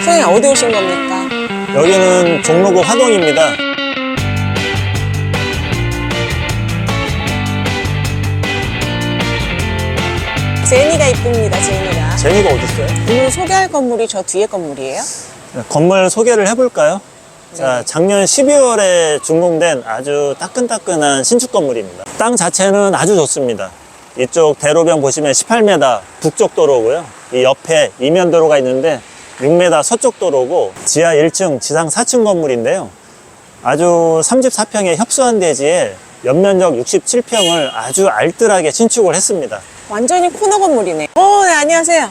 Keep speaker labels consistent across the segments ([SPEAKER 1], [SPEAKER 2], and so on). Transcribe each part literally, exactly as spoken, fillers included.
[SPEAKER 1] 선생님 어디 오신 겁니까?
[SPEAKER 2] 여기는 종로구 화동입니다.
[SPEAKER 1] 제니가 이쁩니다, 제니가.
[SPEAKER 2] 제니가 어디 있어요?
[SPEAKER 1] 오늘 소개할 건물이 저 뒤에 건물이에요?
[SPEAKER 2] 네, 건물 소개를 해볼까요?
[SPEAKER 1] 네.
[SPEAKER 2] 자, 작년 십이월에 준공된 아주 따끈따끈한 신축 건물입니다. 땅 자체는 아주 좋습니다. 이쪽 대로변 보시면 십팔 미터 북쪽 도로고요. 이 옆에 이면 도로가 있는데 육 미터 서쪽 도로고 지하 일 층, 지상 사 층 건물인데요. 아주 삼십사 평의 협소한 대지에 연면적 육십칠 평을 아주 알뜰하게 신축을 했습니다.
[SPEAKER 1] 완전히 코너 건물이네. 어, 네, 안녕하세요.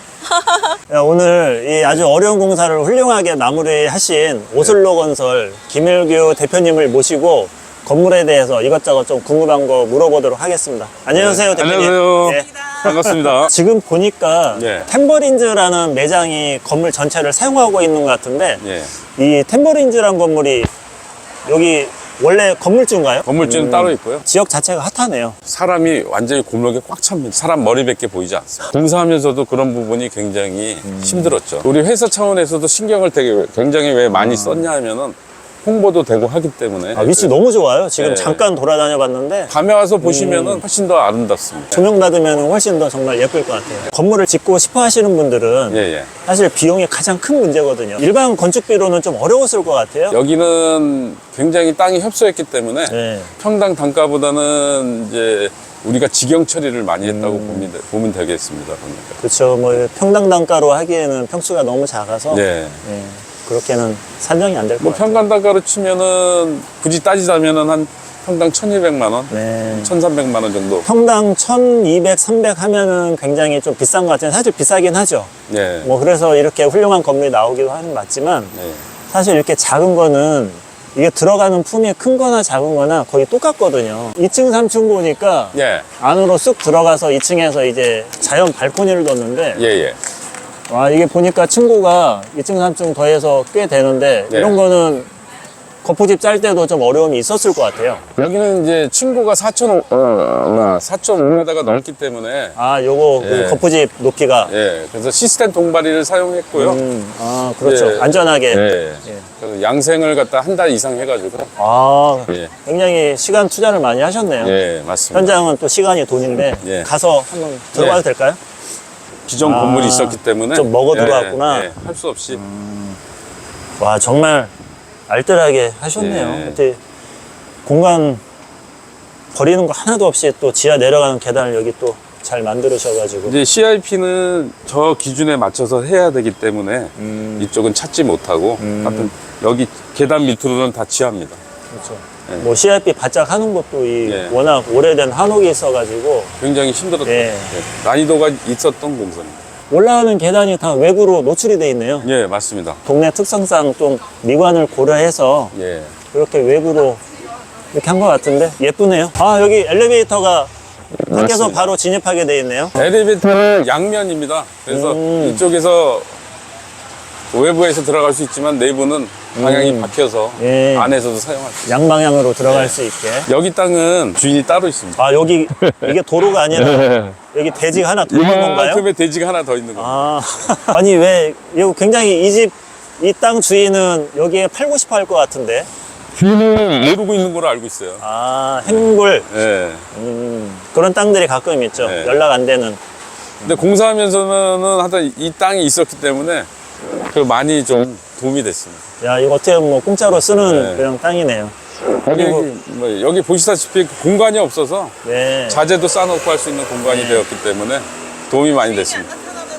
[SPEAKER 2] 오늘 이 아주 어려운 공사를 훌륭하게 마무리하신 오슬로 건설 김일규 대표님을 모시고 건물에 대해서 이것저것 좀 궁금한 거 물어보도록 하겠습니다. 안녕하세요,
[SPEAKER 3] 네,
[SPEAKER 2] 대표님.
[SPEAKER 3] 안녕하세요.
[SPEAKER 2] 네.
[SPEAKER 3] 반갑습니다.
[SPEAKER 2] 지금 보니까
[SPEAKER 3] 네.
[SPEAKER 2] 템버린즈라는 매장이 건물 전체를 사용하고 있는 것 같은데
[SPEAKER 3] 예.
[SPEAKER 2] 이 템버린즈라는 건물이 여기 원래 건물주인가요?
[SPEAKER 3] 건물주는
[SPEAKER 2] 음,
[SPEAKER 3] 따로 있고요.
[SPEAKER 2] 지역 자체가 핫하네요.
[SPEAKER 3] 사람이 완전히 골목에 꽉 찹니다. 사람 머리밖에 보이지 않습니다. 공사하면서도 그런 부분이 굉장히 힘들었죠. 우리 회사 차원에서도 신경을 되게 굉장히 왜 많이 썼냐 하면은 홍보도 되고 하기 때문에
[SPEAKER 2] 아, 위치 너무 좋아요. 지금
[SPEAKER 3] 네.
[SPEAKER 2] 잠깐 돌아다녀 봤는데
[SPEAKER 3] 밤에 와서 보시면은 훨씬 더 아름답습니다.
[SPEAKER 2] 조명 받으면 훨씬 더 정말 예쁠 것 같아요. 건물을 짓고 싶어 하시는 분들은
[SPEAKER 3] 예, 예.
[SPEAKER 2] 사실 비용이 가장 큰 문제거든요. 일반 건축비로는 좀 어려웠을 것 같아요.
[SPEAKER 3] 여기는 굉장히 땅이 협소했기 때문에
[SPEAKER 2] 네.
[SPEAKER 3] 평당 단가보다는 이제 우리가 직영 처리를 많이 했다고
[SPEAKER 2] 음.
[SPEAKER 3] 보면, 되- 보면 되겠습니다. 보니까.
[SPEAKER 2] 그렇죠. 뭐 평당 단가로 하기에는 평수가 너무 작아서
[SPEAKER 3] 네.
[SPEAKER 2] 예, 그렇게는 산정이 안 될 것
[SPEAKER 3] 뭐
[SPEAKER 2] 같아요.
[SPEAKER 3] 평당 단가로 치면은 굳이 따지자면은 한 평당 천이백만 원,
[SPEAKER 2] 네.
[SPEAKER 3] 천삼백만 원 정도.
[SPEAKER 2] 평당 천이백, 삼백 하면은 굉장히 좀 비싼 것 같아요. 사실 비싸긴 하죠.
[SPEAKER 3] 네.
[SPEAKER 2] 뭐 그래서 이렇게 훌륭한 건물이 나오기도 하는 맞지만
[SPEAKER 3] 네.
[SPEAKER 2] 사실 이렇게 작은 거는 이게 들어가는 품이 큰 거나 작은 거나 거의 똑같거든요. 이 층, 삼 층 보니까
[SPEAKER 3] 예.
[SPEAKER 2] 안으로 쑥 들어가서 이 층에서 이제 자연 발코니를 뒀는데
[SPEAKER 3] 예, 예.
[SPEAKER 2] 와, 이게 보니까 층고가 이 층, 삼 층 더해서 꽤 되는데
[SPEAKER 3] 네.
[SPEAKER 2] 이런 거는 거푸집 짤 때도 좀 어려움이 있었을 것 같아요.
[SPEAKER 3] 여기는 이제 층고가 사점오 미터가 넘기 때문에
[SPEAKER 2] 아, 요거 그
[SPEAKER 3] 예.
[SPEAKER 2] 거푸집 높이가
[SPEAKER 3] 예. 그래서 시스템 동바리를 사용했고요.
[SPEAKER 2] 음, 아, 그렇죠.
[SPEAKER 3] 예.
[SPEAKER 2] 안전하게.
[SPEAKER 3] 예.
[SPEAKER 2] 예.
[SPEAKER 3] 그래서 양생을 갖다 한 달 이상 해가지고.
[SPEAKER 2] 아,
[SPEAKER 3] 예.
[SPEAKER 2] 굉장히 시간 투자를 많이 하셨네요.
[SPEAKER 3] 예, 맞습니다.
[SPEAKER 2] 현장은 또 시간이 돈인데
[SPEAKER 3] 예.
[SPEAKER 2] 가서 한번 들어가도
[SPEAKER 3] 예.
[SPEAKER 2] 될까요?
[SPEAKER 3] 기존
[SPEAKER 2] 아,
[SPEAKER 3] 건물이 있었기 때문에
[SPEAKER 2] 좀 먹어 들어왔구나.
[SPEAKER 3] 예, 예. 할 수 없이.
[SPEAKER 2] 와, 정말 알뜰하게 하셨네요.
[SPEAKER 3] 예.
[SPEAKER 2] 그때 공간 버리는 거 하나도 없이 또 지하 내려가는 계단을 여기 또 잘 만들으셔가지고.
[SPEAKER 3] 이제 씨아이피는 저 기준에 맞춰서 해야 되기 때문에
[SPEAKER 2] 음,
[SPEAKER 3] 이쪽은 찾지 못하고 하여튼 여기 계단 밑으로는 다 지하입니다.
[SPEAKER 2] 그렇죠.
[SPEAKER 3] 예.
[SPEAKER 2] 뭐 씨아이피 바짝 하는 것도 이
[SPEAKER 3] 예.
[SPEAKER 2] 워낙 오래된 한옥이 있어가지고
[SPEAKER 3] 굉장히 힘들었던
[SPEAKER 2] 예.
[SPEAKER 3] 예. 난이도가 있었던 공사입니다.
[SPEAKER 2] 올라가는 계단이 다 외부로 노출이 돼 있네요.
[SPEAKER 3] 예, 맞습니다.
[SPEAKER 2] 동네 특성상 좀 미관을 고려해서
[SPEAKER 3] 예.
[SPEAKER 2] 이렇게 외부로 이렇게 한 것 같은데 예쁘네요. 아, 여기 엘리베이터가 밖에서
[SPEAKER 3] 맞습니다.
[SPEAKER 2] 바로 진입하게 돼 있네요.
[SPEAKER 3] 엘리베이터는 양면입니다. 그래서
[SPEAKER 2] 음.
[SPEAKER 3] 이쪽에서 외부에서 들어갈 수 있지만 내부는 방향이
[SPEAKER 2] 음.
[SPEAKER 3] 바뀌어서
[SPEAKER 2] 예.
[SPEAKER 3] 안에서도 사용할 수 있어요.
[SPEAKER 2] 양방향으로 들어갈
[SPEAKER 3] 네.
[SPEAKER 2] 수 있게.
[SPEAKER 3] 여기 땅은 주인이 따로 있습니다.
[SPEAKER 2] 아, 여기 이게 도로가 아니라 여기 대지가 하나 더 있는 건가요?
[SPEAKER 3] 이만큼의 대지가 하나 더 있는 겁니다.
[SPEAKER 2] 아, 아니 왜 이거 굉장히 이 집 이 땅 주인은 여기에 팔고 싶어 할 것 같은데.
[SPEAKER 3] 주인은 모르고 있는 걸로 알고 있어요.
[SPEAKER 2] 아, 행굴.
[SPEAKER 3] 예.
[SPEAKER 2] 음, 그런 땅들이 가끔 있죠.
[SPEAKER 3] 네.
[SPEAKER 2] 연락 안 되는.
[SPEAKER 3] 근데 공사하면서는 하여튼 이 땅이 있었기 때문에 그 많이 좀 도움이 됐습니다.
[SPEAKER 2] 야, 이거 어떻게 보면 뭐 공짜로 쓰는
[SPEAKER 3] 네.
[SPEAKER 2] 그런 땅이네요.
[SPEAKER 3] 여기,
[SPEAKER 2] 그리고-
[SPEAKER 3] 뭐 여기 보시다시피 공간이 없어서
[SPEAKER 2] 네.
[SPEAKER 3] 자재도 싸놓고 할 수 있는 공간이
[SPEAKER 2] 네.
[SPEAKER 3] 되었기 때문에 도움이 많이 됐습니다.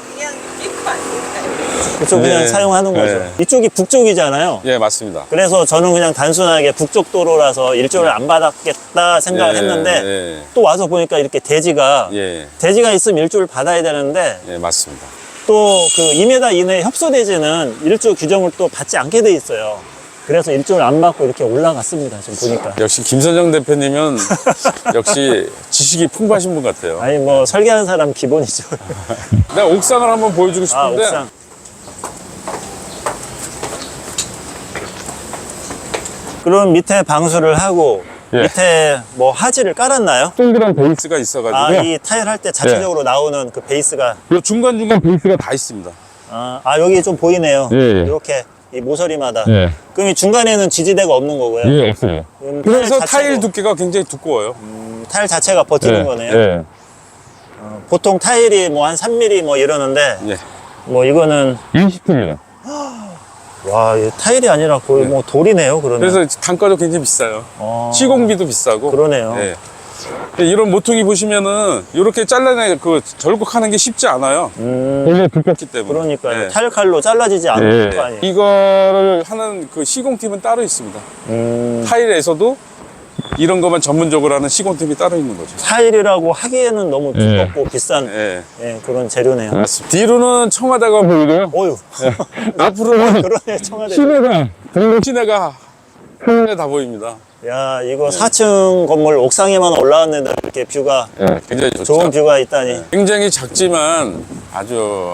[SPEAKER 2] 그쪽 그냥
[SPEAKER 3] 네.
[SPEAKER 2] 사용하는 거죠.
[SPEAKER 3] 네.
[SPEAKER 2] 이쪽이 북쪽이잖아요.
[SPEAKER 3] 예, 맞습니다.
[SPEAKER 2] 그래서 저는 그냥 단순하게 북쪽 도로라서 일조를 안 받았겠다 생각을
[SPEAKER 3] 예,
[SPEAKER 2] 했는데
[SPEAKER 3] 예,
[SPEAKER 2] 또 와서 보니까 이렇게 대지가
[SPEAKER 3] 예,
[SPEAKER 2] 대지가 있으면 일조를 받아야 되는데
[SPEAKER 3] 예, 맞습니다.
[SPEAKER 2] 또 그 이 미터 이내 협소대지는 일조 규정을 또 받지 않게 돼 있어요. 그래서 일조를 안 받고 이렇게 올라갔습니다. 지금 보니까.
[SPEAKER 3] 역시 김선정 대표님은 역시 지식이 풍부하신 분 같아요.
[SPEAKER 2] 아니 뭐 설계하는 사람 기본이죠.
[SPEAKER 3] 내가 옥상을 한번 보여주고
[SPEAKER 2] 아,
[SPEAKER 3] 싶은데
[SPEAKER 2] 옥상. 그럼 밑에 방수를 하고
[SPEAKER 3] 예.
[SPEAKER 2] 밑에 뭐 하지를 깔았나요?
[SPEAKER 3] 동그란 베이스가 있어가지고
[SPEAKER 2] 아, 이 타일 할 때 자체적으로 나오는 그 베이스가
[SPEAKER 3] 요 중간중간 베이스가 다 있습니다.
[SPEAKER 2] 아, 아, 여기 좀 보이네요.
[SPEAKER 3] 예, 예.
[SPEAKER 2] 이렇게 이 모서리마다.
[SPEAKER 3] 예.
[SPEAKER 2] 그럼 이 중간에는 지지대가 없는 거고요.
[SPEAKER 3] 예, 없어요.
[SPEAKER 2] 그럼
[SPEAKER 3] 그래서
[SPEAKER 2] 자체도-
[SPEAKER 3] 타일 두께가 굉장히 두꺼워요.
[SPEAKER 2] 음, 타일 자체가 버티는
[SPEAKER 3] 예,
[SPEAKER 2] 거네요.
[SPEAKER 3] 예.
[SPEAKER 2] 어, 보통 타일이 뭐 한 삼 밀리미터 뭐 이러는데
[SPEAKER 3] 예.
[SPEAKER 2] 뭐 이거는
[SPEAKER 3] 이십 킬로그램.
[SPEAKER 2] 와, 이 타일이 아니라 거의 뭐 돌이네요. 그러면.
[SPEAKER 3] 그래서 단가도 굉장히 비싸요.
[SPEAKER 2] 어,
[SPEAKER 3] 시공비도 비싸고.
[SPEAKER 2] 그러네요.
[SPEAKER 3] 예. 이런 모퉁이 보시면은 이렇게 잘라내 그 절곡하는 게 쉽지 않아요.
[SPEAKER 2] 음,
[SPEAKER 3] 원래 두껍기 때문에.
[SPEAKER 2] 그러니까요.
[SPEAKER 3] 예.
[SPEAKER 2] 타일 칼로 잘라지지 않는 거 아니에요.
[SPEAKER 3] 이거를 하는 그 시공팀은 따로 있습니다.
[SPEAKER 2] 음,
[SPEAKER 3] 타일에서도 이런 것만 전문적으로 하는 시공팀이 따로 있는 거죠.
[SPEAKER 2] 타일이라고 하기에는 너무 두껍고 비싼
[SPEAKER 3] 예.
[SPEAKER 2] 예, 그런 재료네요.
[SPEAKER 3] 맞습니다. 뒤로는 청와대가 보이고요.
[SPEAKER 2] 어휴.
[SPEAKER 3] 앞으로는
[SPEAKER 2] 그러네, 청와대.
[SPEAKER 3] 시내가, 경북 시내가 한눈에 다 보입니다.
[SPEAKER 2] 야, 이거 사 층 건물 옥상에만 올라왔는데 이렇게 뷰가,
[SPEAKER 3] 예, 굉장히 좋죠.
[SPEAKER 2] 좋은 뷰가 있다니.
[SPEAKER 3] 굉장히 작지만 아주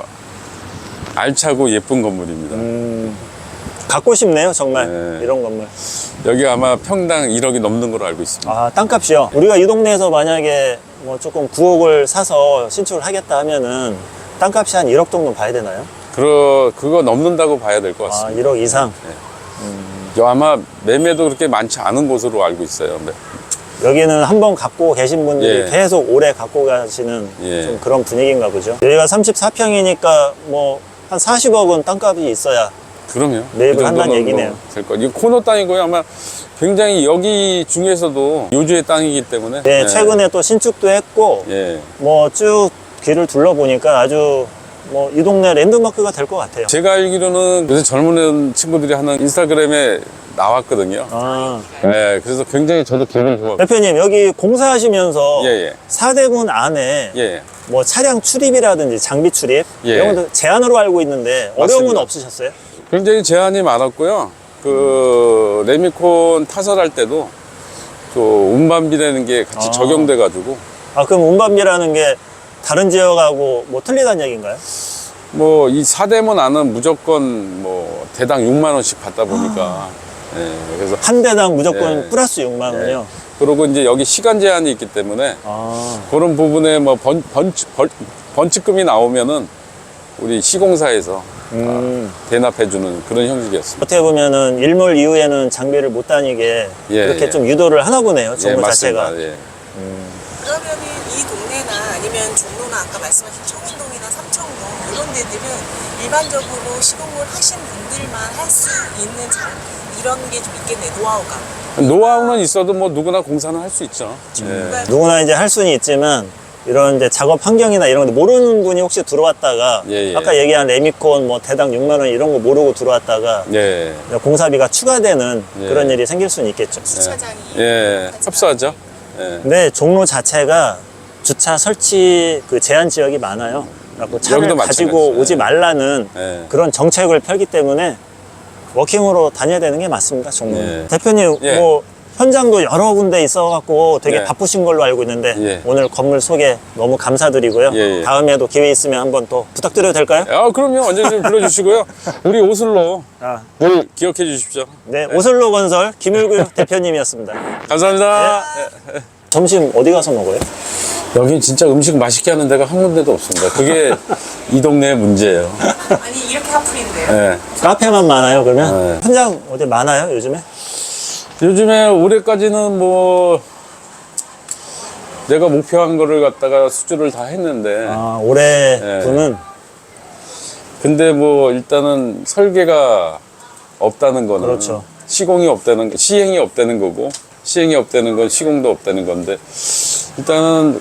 [SPEAKER 3] 알차고 예쁜 건물입니다.
[SPEAKER 2] 음, 갖고 싶네요, 정말.
[SPEAKER 3] 네.
[SPEAKER 2] 이런 건물.
[SPEAKER 3] 여기 아마 평당 일억이 넘는 걸로 알고 있습니다.
[SPEAKER 2] 아, 땅값이요. 우리가 이 동네에서 만약에 뭐 조금 구억을 사서 신축을 하겠다 하면은 땅값이 한 일억 정도 봐야 되나요?
[SPEAKER 3] 그러, 그거 넘는다고 봐야 될 것
[SPEAKER 2] 아,
[SPEAKER 3] 같습니다.
[SPEAKER 2] 일억 이상.
[SPEAKER 3] 여 아마 매매도 그렇게 많지 않은 곳으로 알고 있어요. 네.
[SPEAKER 2] 여기는 한번 갖고 계신 분들이
[SPEAKER 3] 예.
[SPEAKER 2] 계속 오래 갖고 가시는
[SPEAKER 3] 예.
[SPEAKER 2] 좀 그런 분위기인가 보죠. 여기가 삼십사 평이니까 뭐 한 사십억은 땅값이 있어야
[SPEAKER 3] 그럼요.
[SPEAKER 2] 매입을
[SPEAKER 3] 그 정도는
[SPEAKER 2] 한다는 얘기네요.
[SPEAKER 3] 뭐 될 거. 이거 코너 땅이고요. 아마 굉장히 여기 중에서도 요주의 땅이기 때문에.
[SPEAKER 2] 네,
[SPEAKER 3] 예.
[SPEAKER 2] 최근에 또 신축도 했고
[SPEAKER 3] 예.
[SPEAKER 2] 뭐 쭉 길을 둘러보니까 아주 뭐 이 동네 랜드마크가 될 것 같아요.
[SPEAKER 3] 제가 알기로는 요새 젊은 친구들이 하는 인스타그램에 나왔거든요.
[SPEAKER 2] 아,
[SPEAKER 3] 예, 그래서 굉장히 저도 기분이 좋아요.
[SPEAKER 2] 대표님 여기 공사하시면서
[SPEAKER 3] 예, 예.
[SPEAKER 2] 사대문 안에
[SPEAKER 3] 예.
[SPEAKER 2] 뭐 차량 출입이라든지 장비 출입
[SPEAKER 3] 예.
[SPEAKER 2] 이런 것도 제한으로 알고 있는데 어려움은
[SPEAKER 3] 맞습니다.
[SPEAKER 2] 없으셨어요?
[SPEAKER 3] 굉장히 제한이 많았고요. 그 레미콘 타설할 때도 또 운반비라는 게 같이
[SPEAKER 2] 아.
[SPEAKER 3] 적용돼가지고
[SPEAKER 2] 아, 그럼 운반비라는 게 다른 지역하고 뭐 틀리다는 얘기인가요?
[SPEAKER 3] 뭐 이 사대문 안은 무조건 뭐 대당 육만 원씩 받다 보니까 예, 그래서
[SPEAKER 2] 한 대당 무조건
[SPEAKER 3] 예.
[SPEAKER 2] 플러스 육만 원이요?
[SPEAKER 3] 그리고 이제 여기 시간 제한이 있기 때문에
[SPEAKER 2] 아,
[SPEAKER 3] 그런 부분에 뭐 번, 번치, 벌, 번치금이 나오면은 우리 시공사에서
[SPEAKER 2] 음.
[SPEAKER 3] 대납해주는 그런 형식이었습니다.
[SPEAKER 2] 어떻게 보면은 일몰 이후에는 장비를 못 다니게
[SPEAKER 3] 예,
[SPEAKER 2] 이렇게
[SPEAKER 3] 예.
[SPEAKER 2] 좀 유도를 하나 보네요, 정부
[SPEAKER 3] 맞습니다.
[SPEAKER 2] 자체가.
[SPEAKER 3] 예.
[SPEAKER 4] 그러면은 이 동네나 아니면 종로나 아까 말씀하신 청운동이나 삼청동 이런 데들은 일반적으로 시공을 하신 분들만 할 수 있는 장 이런 게 좀 있겠네, 노하우가.
[SPEAKER 3] 노하우는 있어도 뭐 누구나 공사는 할 수 있죠. 예.
[SPEAKER 4] 그러니까
[SPEAKER 2] 누구나 이제 할 수는 있지만 이런 이제 작업 환경이나 이런 거 모르는 분이 혹시 들어왔다가
[SPEAKER 3] 예, 예.
[SPEAKER 2] 아까 얘기한 레미콘 뭐 대당 육만 원 이런 거 모르고 들어왔다가
[SPEAKER 3] 예.
[SPEAKER 2] 공사비가 추가되는
[SPEAKER 3] 예.
[SPEAKER 2] 그런 일이 생길 수는 있겠죠.
[SPEAKER 4] 주차장이
[SPEAKER 3] 예. 협소하죠. 예.
[SPEAKER 2] 근데 종로 자체가 주차 설치 그 제한 지역이 많아요. 그래서 차를
[SPEAKER 3] 여기도
[SPEAKER 2] 가지고
[SPEAKER 3] 마찬가지죠.
[SPEAKER 2] 오지 말라는
[SPEAKER 3] 예.
[SPEAKER 2] 그런 정책을 펴기 때문에 워킹으로 다녀야 되는 게 맞습니다, 종로.
[SPEAKER 3] 예.
[SPEAKER 2] 대표님,
[SPEAKER 3] 예.
[SPEAKER 2] 뭐 현장도 여러 군데 있어갖고 되게
[SPEAKER 3] 예.
[SPEAKER 2] 바쁘신 걸로 알고 있는데
[SPEAKER 3] 예.
[SPEAKER 2] 오늘 건물 소개 너무 감사드리고요.
[SPEAKER 3] 예, 예.
[SPEAKER 2] 다음에도 기회 있으면 한번 또 부탁드려도 될까요?
[SPEAKER 3] 아, 그럼요. 언제든 불러주시고요. 우리 오슬로
[SPEAKER 2] 아,
[SPEAKER 3] 늘 기억해 주십시오.
[SPEAKER 2] 네, 오슬로 건설 김일구 대표님이었습니다.
[SPEAKER 3] 감사합니다.
[SPEAKER 2] 점심 어디 가서 먹어요?
[SPEAKER 3] 여긴 진짜 음식 맛있게 하는 데가 한 군데도 없습니다. 그게 이 동네의 문제예요.
[SPEAKER 4] 아니 이렇게 하풀인데요.
[SPEAKER 3] 예.
[SPEAKER 2] 카페만 많아요, 그러면?
[SPEAKER 3] 네.
[SPEAKER 2] 현장 어디 많아요, 요즘에?
[SPEAKER 3] 요즘에 올해까지는 뭐 내가 목표한 거를 갖다가 수주를 다 했는데
[SPEAKER 2] 아, 올해
[SPEAKER 3] 예.
[SPEAKER 2] 분은
[SPEAKER 3] 근데 뭐 일단은 설계가 없다는 거는
[SPEAKER 2] 그렇죠.
[SPEAKER 3] 시공이 없다는 거, 시행이 없다는 거고 시행이 없다는 건 시공도 없다는 건데 일단은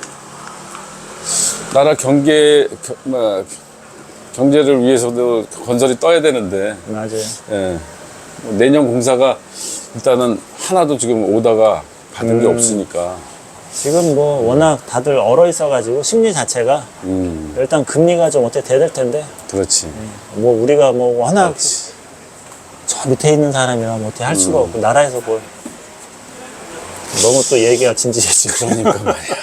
[SPEAKER 3] 나라 경계 겨- 뭐, 경제를 위해서도 건설이 떠야 되는데
[SPEAKER 2] 맞아요.
[SPEAKER 3] 예. 뭐 내년 공사가 일단은 하나도 지금 오다가 받은 게
[SPEAKER 2] 음.
[SPEAKER 3] 없으니까
[SPEAKER 2] 지금 뭐 워낙 다들 얼어 있어가지고 심리 자체가
[SPEAKER 3] 음
[SPEAKER 2] 일단 금리가 좀 어떻게 돼야 될 텐데
[SPEAKER 3] 그렇지
[SPEAKER 2] 뭐 우리가 뭐 워낙
[SPEAKER 3] 그렇지
[SPEAKER 2] 저 밑에 있는 사람이라 뭐 어떻게 할 수가 없고 나라에서 뭘 너무 또 얘기가 진지해지고
[SPEAKER 3] 그러니까 말이야